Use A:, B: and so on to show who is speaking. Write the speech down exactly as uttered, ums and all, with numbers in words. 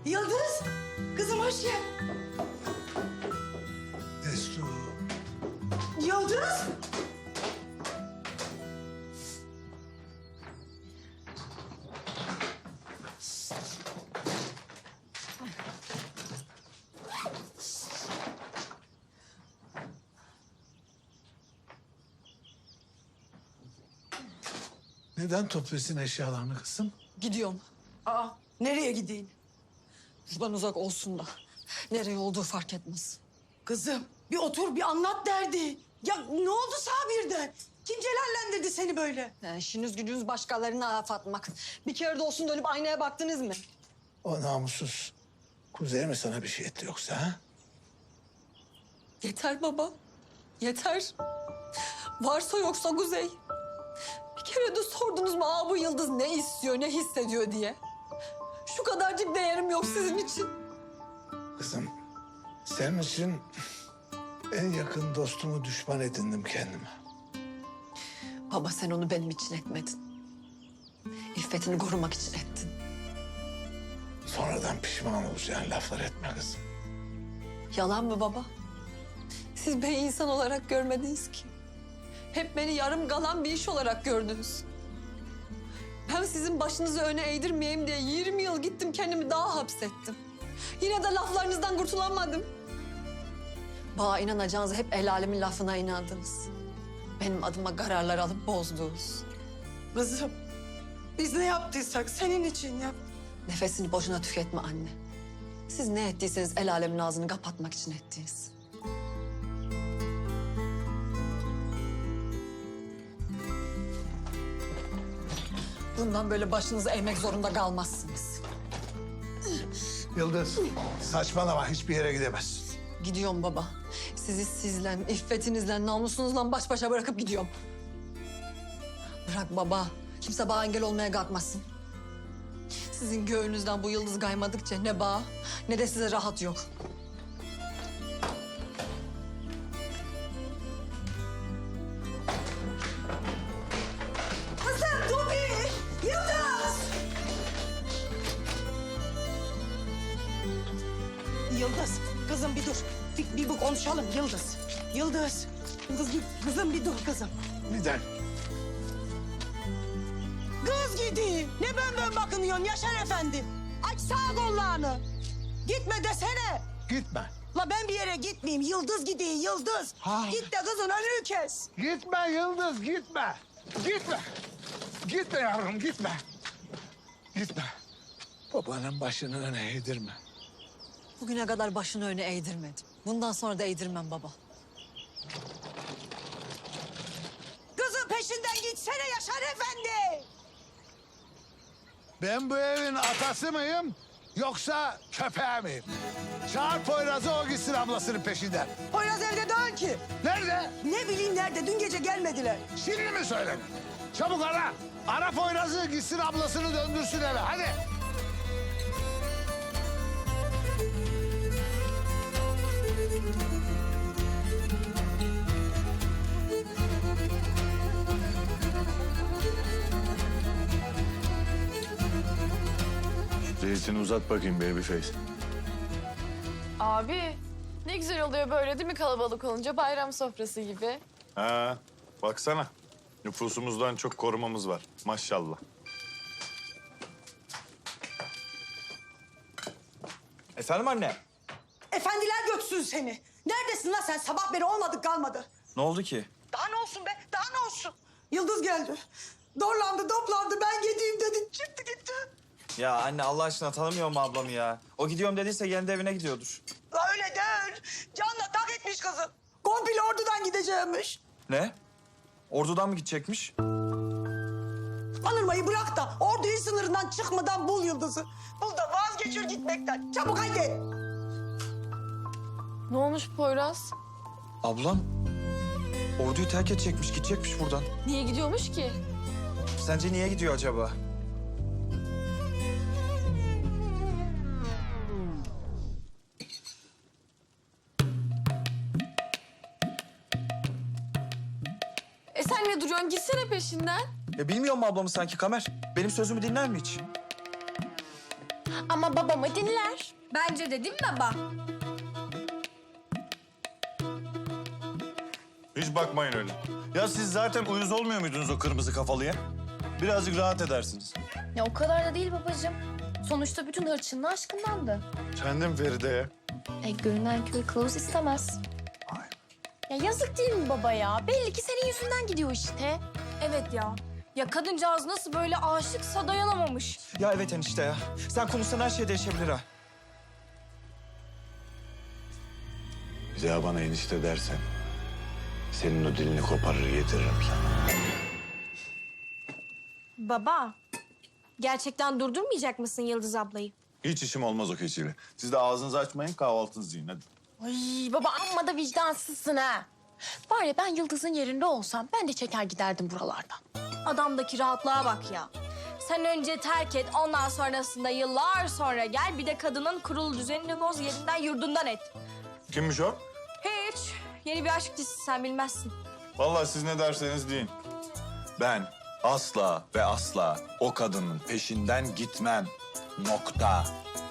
A: Yıldız, kızım hoş geldin.
B: Destur.
A: Yıldız.
B: Neden topluyorsun eşyalarını kızım?
C: Gidiyorum.
A: Aa, nereye gideyim?
C: Buradan uzak olsun da. Nereye olduğu fark etmez.
A: Kızım, bir otur bir anlat derdi. Ya ne oldu sana birden? Kim celallendirdi seni böyle?
C: Yani işiniz gücünüz başkalarına laf atmak. Bir kere de olsun dönüp aynaya baktınız mı?
B: O namussuz Kuzey mi sana bir şey etti yoksa ha?
C: Yeter baba. Yeter. Varsa yoksa Kuzey. Bir kere de sordunuz mu aa bu Yıldız ne istiyor, ne hissediyor diye. Şu kadarcık değerim yok sizin için.
B: Kızım senin için en yakın dostumu düşman edindim kendime.
C: Baba sen onu benim için etmedin. İffetini korumak için ettin.
B: Sonradan pişman olacağın laflar etme kızım.
C: Yalan mı baba? Siz beni insan olarak görmediniz ki. Hep beni yarım kalan bir iş olarak gördünüz. Ben sizin başınızı öne eğdirmeyeyim diye yirmi yıl gittim kendimi daha hapsettim. Yine de laflarınızdan kurtulamadım. Bana inanacağınızı hep el alemin lafına inandınız. Benim adıma kararlar alıp bozdunuz.
A: Kızım, biz ne yaptıysak senin için yap.
C: Nefesini boşuna tüketme anne. Siz ne ettiyseniz el alemin ağzını kapatmak için ettiniz. Bundan böyle başınızı eğmek zorunda kalmazsınız.
B: Yıldız saçmalama hiçbir yere gidemezsin.
C: Gidiyorum baba. Sizi sizle, iffetinizle, namusunuzla baş başa bırakıp gidiyorum. Bırak baba. Kimse bana engel olmaya kalkmasın. Sizin göğünüzden bu yıldız kaymadıkça ne bağ ne de size rahat yok.
A: Kızım dur bir. Yıldız. Yıldız, kızım bir dur. Bir, bir bu konuşalım Yıldız. Yıldız. Yıldız bir, kızım bir dur kızım.
B: Neden?
A: Kız gidi. Ne ben ben bakınıyorsun Yaşar Efendi? Aç sağ kollarını. Gitme desene.
B: Gitme.
A: La ben bir yere gitmeyeyim. Yıldız gidiyor Yıldız.
B: Ha.
A: Git de kızın önünü kes.
B: Gitme Yıldız gitme. Gitme. Gitme yavrum gitme. Gitme. Babanın başını öne eğdirme.
C: Bugüne kadar başını öne eğdirmedim. Bundan sonra da eğdirmem baba.
A: Kızın peşinden gitsene Yaşar Efendi.
B: Ben bu evin atası mıyım yoksa köpeği miyim? Çağır Poyraz'ı o gitsin ablasının peşinden.
A: Poyraz evde değil ki.
B: Nerede?
A: Ne bileyim nerede? Dün gece gelmediler.
B: Şimdi mi söyledin? Çabuk ara. Ara Poyraz'ı gitsin ablasını döndürsün eve hadi.
D: Zeytini uzat bakayım babyface.
E: Abi ne güzel oluyor böyle değil mi kalabalık olunca bayram sofrası gibi.
D: Ha, baksana. Nüfusumuzdan çok korumamız var. Maşallah.
F: Efendim anne?
A: Efendiler göksün seni. Neredesin lan sen? Sabah beri olmadık kalmadı.
F: Ne oldu ki?
A: Daha ne olsun be? Daha ne olsun? Yıldız geldi. Dorlandı, toplandı. Ben gideyim dedi. Çıktı gitti.
F: Ya anne Allah aşkına tanımıyor mu ablamı ya? O gidiyorum dediyse kendi evine gidiyordur.
A: La öyle değil. Canla tak etmiş kızı. Komple ordudan gideceğimmiş.
F: Ne? Ordudan mı gidecekmiş?
A: Anırmayı bırak da orduyu sınırından çıkmadan bul Yıldız'ı. Bul da vazgeçir gitmekten. Çabuk haydi.
E: Ne olmuş Poyraz?
F: Ablam orduyu terk edecekmiş, gidecekmiş buradan.
E: Niye gidiyormuş ki?
F: Sence niye gidiyor acaba?
E: E sen ne duruyorsun? Gitsene peşinden.
F: Ya bilmiyor mu ablamı sanki Kamer? Benim sözümü dinler mi hiç?
G: Ama babamı dinler.
H: Bence de değil mi baba?
D: Hiç bakmayın öyle. Ya siz zaten uyuz olmuyor muydunuz o kırmızı kafalıya? Birazcık rahat edersiniz.
G: Ya o kadar da değil babacığım. Sonuçta bütün hırçınlığı aşkındandı.
D: Kendim Feride'ye.
G: E, görünen köy kılavuz istemez.
D: Ay.
G: Ya yazık değil mi baba ya? Belli ki senin yüzünden gidiyor işte.
H: Evet ya. Ya kadıncağız nasıl böyle aşıksa dayanamamış.
F: Ya evet enişte ya. Sen konuşsan her şey değişebilir ha.
D: Bir daha bana enişte dersen senin o dilini koparır getiririm sana.
H: Baba, gerçekten durdurmayacak mısın Yıldız ablayı?
D: Hiç işim olmaz o keçiyle. Siz de ağzınızı açmayın, kahvaltınızı yiyin hadi.
G: Ay baba amma da vicdansızsın ha. Var ya ben Yıldız'ın yerinde olsam ben de çeker giderdim buralardan.
H: Adamdaki rahatlığa bak ya. Sen önce terk et, ondan sonrasında yıllar sonra gel. Bir de kadının kurulu düzenini boz, yerinden yurdundan et.
D: Kimmiş o?
H: Hiç. Yeni bir aşk dizisi, sen bilmezsin.
D: Vallahi siz ne derseniz deyin. Ben asla ve asla o kadının peşinden gitmem. Nokta.